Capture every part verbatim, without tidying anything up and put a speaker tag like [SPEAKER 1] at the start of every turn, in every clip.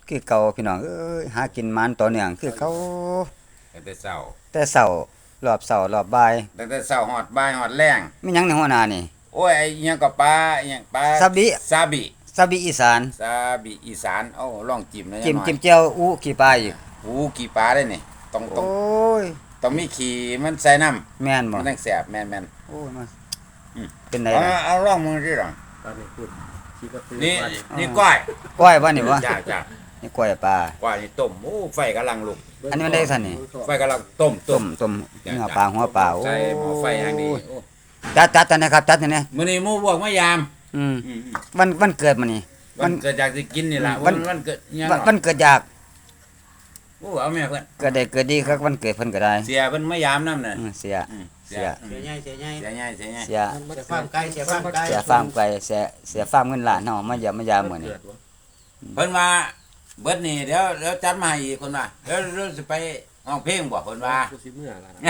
[SPEAKER 1] คือเก่าพี่น้องเอ้ยหากินมันต่อเนื่องคือเขา
[SPEAKER 2] ตั้งแต่เช้า
[SPEAKER 1] แต่เช้ารอบเช้ารอบบ่าย
[SPEAKER 2] ตั้งแต่เช้าฮอดบ่ายฮอดแล้ง
[SPEAKER 1] มีหยังในหัวหน้านี่
[SPEAKER 2] โอ้ยไอ้อิหยังก็ปลาอิหยังปลา
[SPEAKER 1] ซาบิ
[SPEAKER 2] ซาบิ
[SPEAKER 1] ซาบิอีสาน
[SPEAKER 2] ซาบิอีสานเอ้าลองจิ้มหน่อยจั
[SPEAKER 1] จิ้
[SPEAKER 2] งหน่อย
[SPEAKER 1] มจิ้มแจ่วอู้ขี้ปลาอีก
[SPEAKER 2] หูกี่ปลาได้นี่ต้องต้อง
[SPEAKER 1] โอ้ย
[SPEAKER 2] ต้องมีขี้มันใส่น้ำ
[SPEAKER 1] แม่นบ่
[SPEAKER 2] มันจังแซ่บแม่น
[SPEAKER 1] โอ้ยมา
[SPEAKER 2] อืม
[SPEAKER 1] เป็นได
[SPEAKER 2] ๆเอา
[SPEAKER 1] ล่ะ
[SPEAKER 2] เอาลองมึงสิล่ะ
[SPEAKER 3] ตอนนี้พูดคิดว่าคือ
[SPEAKER 2] นี่
[SPEAKER 3] ว่า
[SPEAKER 2] นี่ก้อย
[SPEAKER 1] ก้อยบ่นี่บ่
[SPEAKER 2] จ้าจ้า
[SPEAKER 1] นี่ก้อยปลา
[SPEAKER 2] ก้อยนี่ต้มโอ้ไฟกำลังลุก
[SPEAKER 1] อันนี้มันได้ซั่นนี่
[SPEAKER 2] ไฟกำลังต้มต้
[SPEAKER 1] ต้
[SPEAKER 2] ม
[SPEAKER 1] มต้มเนื้อปลาหัวปลาโอ้
[SPEAKER 2] ใส่หม้อไฟอย่างดีโอ้
[SPEAKER 1] จัดจัดจัดนะครับจัดนี่
[SPEAKER 2] มื้อนี้หมู่พวกมายาม
[SPEAKER 1] อืม
[SPEAKER 2] อืม
[SPEAKER 1] วันวันเกิดมื้อนี้
[SPEAKER 2] ๆวันเกิดจากสิกินนี่ล่ะ
[SPEAKER 1] วั
[SPEAKER 2] วัน นวันเกิดอิหยัง
[SPEAKER 1] วัน
[SPEAKER 2] เนาะ
[SPEAKER 1] วันเกิดอยาก
[SPEAKER 2] โอ้เอาแม่เพิ่น
[SPEAKER 1] เกิดได้เกิดดีครับวันเกิดเพิ่นก็ได้
[SPEAKER 2] เสียเพิ่นมายามนำน่ะ
[SPEAKER 1] อืมเสีย
[SPEAKER 2] อืม
[SPEAKER 1] เสีย
[SPEAKER 2] อืม
[SPEAKER 3] เสียใหญ่เสียใหญ่
[SPEAKER 2] เสียใหญ่เสียใหญ่
[SPEAKER 1] เสีย
[SPEAKER 3] เสียฟาร์มไก่เสียฟาร์มไก่
[SPEAKER 1] เสียฟาร์มไก่เสียเสียฟาร์มเงินล้านเนาะมาเยี่ยมมายามมื้อนี้
[SPEAKER 2] เพิ่นว่าเบิดนี่เดี๋ยวเดี๋ยวจัดมาให้อีกคนว่าเดี๋ยวเราสิไปร้องเพลงบ่เพิ่นว่า
[SPEAKER 3] กูสิเมื่อแล้วนะ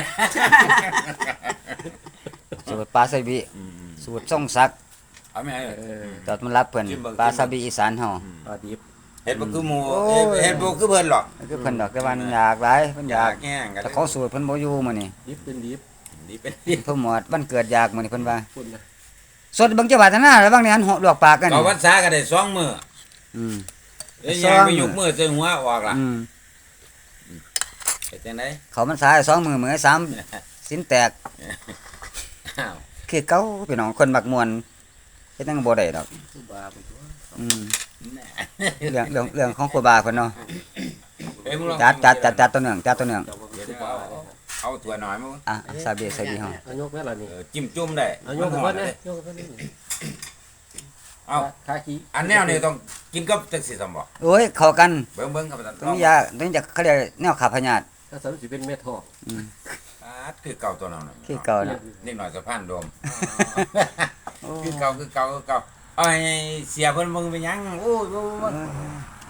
[SPEAKER 1] สูตรปลาซาบิ
[SPEAKER 2] อืม
[SPEAKER 1] สูตรทรงศักดิ์
[SPEAKER 2] เอาแม่
[SPEAKER 3] เออ
[SPEAKER 1] จอดมันรับเพิ่นปลาซาบิอีสานเฮา
[SPEAKER 3] ปลาดิบ
[SPEAKER 2] เฮ็ดบ่คือหมู่
[SPEAKER 1] โอ้ย
[SPEAKER 2] เฮ็ดบ่คือเพิ่นหรอก
[SPEAKER 1] คือเพิ่นดอกแต่ว่ามันอยากหลายเพิ่นอยาก
[SPEAKER 2] แห้งกัน
[SPEAKER 1] แต่ของสูตรเพิ่นบ่อยู่มื้อนี้
[SPEAKER 3] ดิบเป็นดิบ
[SPEAKER 2] นี่เป็นนี่
[SPEAKER 1] เพิ่นหมดวันเกิดอยากมื้อนี้เพิ่นว่า
[SPEAKER 3] พูดนะ
[SPEAKER 1] สดเบิ่งจังหวัดหน้าแล้วบางนี่หันหอกลวกปากกัน
[SPEAKER 2] ก็วันษาก็ได้สองมื้อ
[SPEAKER 1] อืม
[SPEAKER 2] เอ้ย
[SPEAKER 1] สอง
[SPEAKER 2] ยังไป
[SPEAKER 1] มื้อ
[SPEAKER 2] ยกมือใส่หัวออกล่ะ
[SPEAKER 1] อืม
[SPEAKER 2] เฮ็ดจังได๋
[SPEAKER 1] เขามันสายสองมื้อมื้อสามสินแตก
[SPEAKER 2] อ้าว
[SPEAKER 1] คือเก่าพี่น้องคนมักม่วนเฮ็ดจังบ่ได้ดอก
[SPEAKER 3] คือบาไปตัว
[SPEAKER 1] อืม
[SPEAKER 2] แน่
[SPEAKER 1] เรื่องเรื่องเรื่องของครูบาเพิ่นเนาะ
[SPEAKER 2] เอ้ยมึงลอง
[SPEAKER 1] จัดจัดจัดจัดตัวเนื่องจัดตัวเนื่อง
[SPEAKER 3] เจ้าบ่
[SPEAKER 2] เดี๋ยว
[SPEAKER 3] คือ
[SPEAKER 2] เอา
[SPEAKER 3] บา
[SPEAKER 2] เอาเอาถั่วหน่อยมั้ง
[SPEAKER 1] อ่ะซาบิซาบิเฮา
[SPEAKER 3] เอายกแม่ล่ะนี่
[SPEAKER 2] เออจิ้มจุ่มได้
[SPEAKER 3] เอายก
[SPEAKER 2] มัน
[SPEAKER 3] เพิ่
[SPEAKER 2] หอน ม
[SPEAKER 3] นะ
[SPEAKER 2] เลย
[SPEAKER 3] ยกเพิ่นนี่
[SPEAKER 2] เอา
[SPEAKER 3] คาคิ
[SPEAKER 2] อันแนวนี้ต้องกินกับจังซี่ซั่นบ่
[SPEAKER 1] โอ้ยเข้ากัน
[SPEAKER 2] เบิ่งเบิ่งครับท่าน
[SPEAKER 1] ต้องมียาต้องจะเขาเรียกแนวขับพยาธิ
[SPEAKER 3] ถ้าสามสิเป็นเม็ดทอง
[SPEAKER 1] อืม
[SPEAKER 2] ปาดคือเก่าตัวนั้นน่ะ
[SPEAKER 1] คือเก่าน่ะ
[SPEAKER 2] นิดหน่อยสะพานโดม
[SPEAKER 1] โอ้
[SPEAKER 2] คือเก่าคือเก่าคือเก่าเอาให้เสียเพิ่นเบิ่งไปหยังโอ้ยโอ้ยโอ้ย